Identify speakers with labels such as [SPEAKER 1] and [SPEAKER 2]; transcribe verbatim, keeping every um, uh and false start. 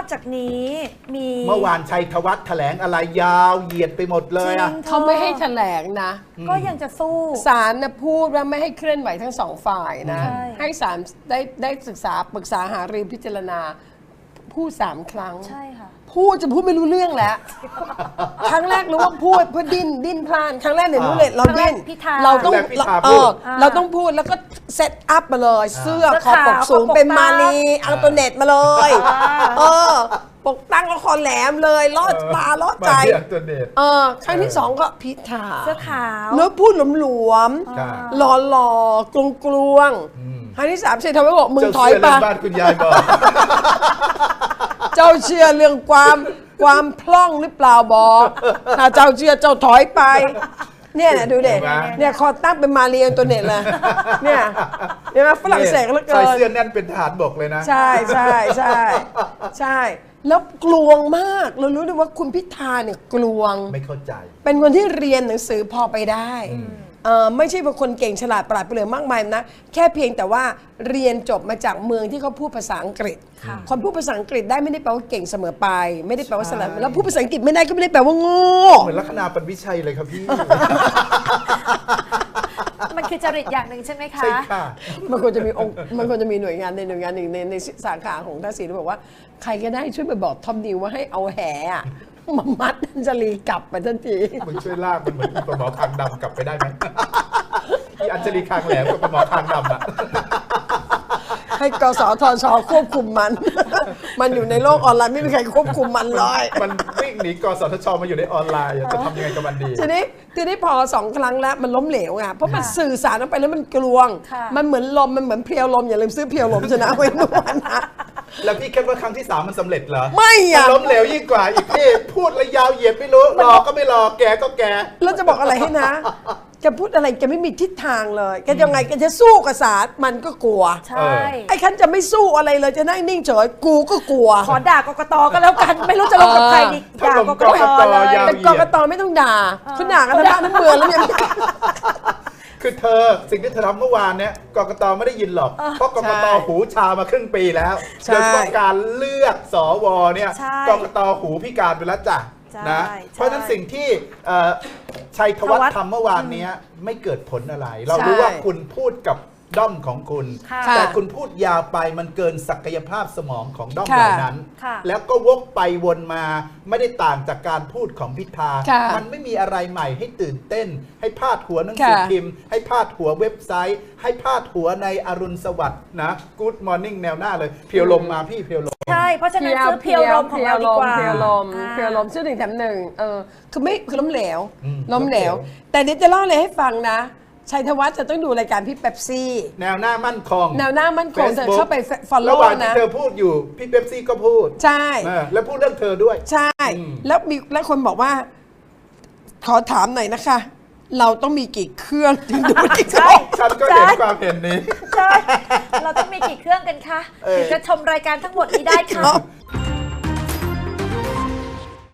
[SPEAKER 1] จากนี้มี
[SPEAKER 2] เมื่อวานชัยธวัฒน์แถลงอะไรยาวเหยียดไปหมดเลยอ่ะ
[SPEAKER 3] เขาไม่ให้แถลงนะ
[SPEAKER 1] ก็ยังจะสู้
[SPEAKER 3] ศาลนะพูดว่าไม่ให้เคลื่อนไหวทั้งสองฝ่ายนะให้ศาลได้ได้ศึกษาปรึกษาหารือพิจารณาพูดสามครั้ง
[SPEAKER 1] ใช่ค่ะ
[SPEAKER 3] พูดจะพูดไม่รู้เรื่องแล้วครั้งแรกรู้ว่าพูดเพื่อดิ้นดิ้นพลานครั้งแรกเนี่ยรู้เลยเราดิ้นเราต้องเออเราต้องพูดแล้วก็เซตอัพมาเลยเสื้อคอปกสูงเป็นมาลีเอาตัวเน็ตมาเลยเออปกตั้งละครแหลมเลยลอดตาลอดใจเออครั้งที่สองก็พิธา
[SPEAKER 1] เสื้อขาว
[SPEAKER 3] แล้วพูดหลวมๆหล่อหล่อกลวงกลวงครั้งที่สามเชยทำให้บอกมึงถอยไป
[SPEAKER 2] บ้านคุณยายบอก
[SPEAKER 3] เจ้าเชื่อเรื่องความความพล่องหรือเปล่าบอกถ้าเจ้าเชื่อเจ้าถอยไปเนี่ยดูเด็กเนี่ยคอตั้งเป็นมาเรียนตัวเน็ตเลยเนี่ยเห็นไหมฝรั่งเศสแล้วเกิน
[SPEAKER 2] ใส่เสื้อแน่นเป็นทหารบกเลยนะ
[SPEAKER 3] ใช่ใช่ใช่ใช่แล้วกลวงมากเรารู้เลยว่าคุณพิธาเนี่ยกลวง
[SPEAKER 2] ไม่เข้าใจ
[SPEAKER 3] เป็นคนที่เรียนหนังสือพอไปได้เออไม่ใช่เป็นคนเก่งฉลาดปราดเปรื่องมากมายนะแค่เพียงแต่ว่าเรียนจบมาจากเมืองที่เขาพูดภาษาอังกฤษคนพูดภาษาอังกฤษได้ไม่ได้แปลว่าเก่งเสมอไปไม่ได้แปลว่าฉลาดแล้วพูดภาษาอังกฤษไม่ได้ก็ไม่ได้แปลว่าโง่
[SPEAKER 2] เหมือนลัคนาปวิชัยเลยครับพี่
[SPEAKER 1] มันคือจริตอย่างหนึ่งใช่ไหมคะ
[SPEAKER 2] ใช่ค่ะ
[SPEAKER 3] มันควรจะมีองค์มันควรจะมีหน่วยงานในหน่วยงานหนึ่งในในสาขาของทักษิณบอกว่าใครก็ได้ช่วยไปบอกทอมนิวว่าให้เอาแห่มามัดอัญชลีกลับไปทันที
[SPEAKER 2] มึงช่วยลากมันเหมือนปลาหมอคางดำกลับไปได้ไหมที่อัญชลีคางแหลมกับปลาหมอคางดำอ่ะ
[SPEAKER 3] ให้กสทชควบคุมมันมันอยู่ในโลกออนไลน์ไม่มีใครควบคุมมันเลย
[SPEAKER 2] มันวิ่งหนีกสทชมาอยู่ในออนไลน์จะทำยังไงกับมันดี
[SPEAKER 3] ทีนี้ทีนี้พอสองครั้งแล้วมันล้มเหลวไงเพราะมันสื่อสารออกไปแล้วมันกลวงมันเหมือนลมมันเหมือนเพลียวลมอย่าลืมซื้อเพลียวลมชนะไว้ด้วยนะ
[SPEAKER 2] แล้วพี่คิดว่าครั้งที่สามมันสำเร็จเหรอ
[SPEAKER 3] ไม่อะ
[SPEAKER 2] ล้มเหลวยิ่งกว่าอีกพี่พูดระยาวเหยียดไม่รู้รอก็ไม่รอแกก็แก
[SPEAKER 3] แล้วจะบอกอะไรให้นะแกพูดอะไรแกไม่มีทิศทางเลยแกยังไงแกจะสู้กับศาลมันก็กลัว
[SPEAKER 1] ใช่
[SPEAKER 3] ไอ้คันจะไม่สู้อะไรเลยจะนั่งนิ่งเฉยกูก็กลัว
[SPEAKER 1] ขอด่ากกตก็แล้วกันไม่รู้จะลงกับใครดีด่ากกตเลย
[SPEAKER 3] แต่กกตไม่ต้องด่าคุณด่ากันทั้งบ้านทั้งเมืองแล้วเนี่ย
[SPEAKER 2] คือเธอสิ่งที่เธอทำเมื่อวานเนี้ยกกตไม่ได้ยินหรอกเพราะกกตหูชามาครึ่งปีแล้วโดยเฉพาะการเลือกสวเนี่ยกกตหูพิการไปแล้วจ้ะนะเพราะฉะนั้นสิ่งที่ชัยธวัฒน์ทำเมื่อวานนี้ไม่เกิดผลอะไรเรารู้ว่าคุณพูดกับด้อมของคุณแต่คุณพูดยาวไปมันเกินศักยภาพสมองของด้อมเหล่านั้นแล้วก็วกไปวนมาไม่ได้ต่างจากการพูดของพิธามันไม่มีอะไรใหม่ให้ตื่นเต้นให้พาดหัวหนังสือพิมพ์ให้พาดหัวเว็บไซต์ให้พาดหัวในอรุณสวัสดิ์นะ Good Morning แนวหน้าเลยเพียวลมมาพี่เพียวลม
[SPEAKER 1] ใช่เพราะฉะนั้นซื้อเพียวลมของเราดีกว่า
[SPEAKER 3] เพียวลมเพียวลมชื่อหนึ่งแถมหนึ่งเออคือไม่คือล้มเหลวล้มเหลวแต่เดี๋ยวจะเล่าอะไรให้ฟังนะชัยธวัฒน์จะต้องดูรายการพี่เป๊ปซี่
[SPEAKER 2] แนวหน้ามั่นคง
[SPEAKER 3] แนวหน้ามั่นคงเธอเข้าไป follow
[SPEAKER 2] ระหว่างที่เธอพูดอยู่พี่เป๊ปซี่ก็พูด
[SPEAKER 3] ใช่
[SPEAKER 2] แล้วพูดเรื่องเธอด้วย
[SPEAKER 3] ใช่แล้วมีแล้วคนบอกว่าขอถามหน่อยนะคะเราต้องมีกี่เครื่องถึงดูที่
[SPEAKER 2] ใช่ฉันก็เห็นความเห็นนี้
[SPEAKER 1] ใช่เราต้องมีกี่เครื่องกันคะถึงจะชมรายการทั้งหมดนี้ได้ค่ะ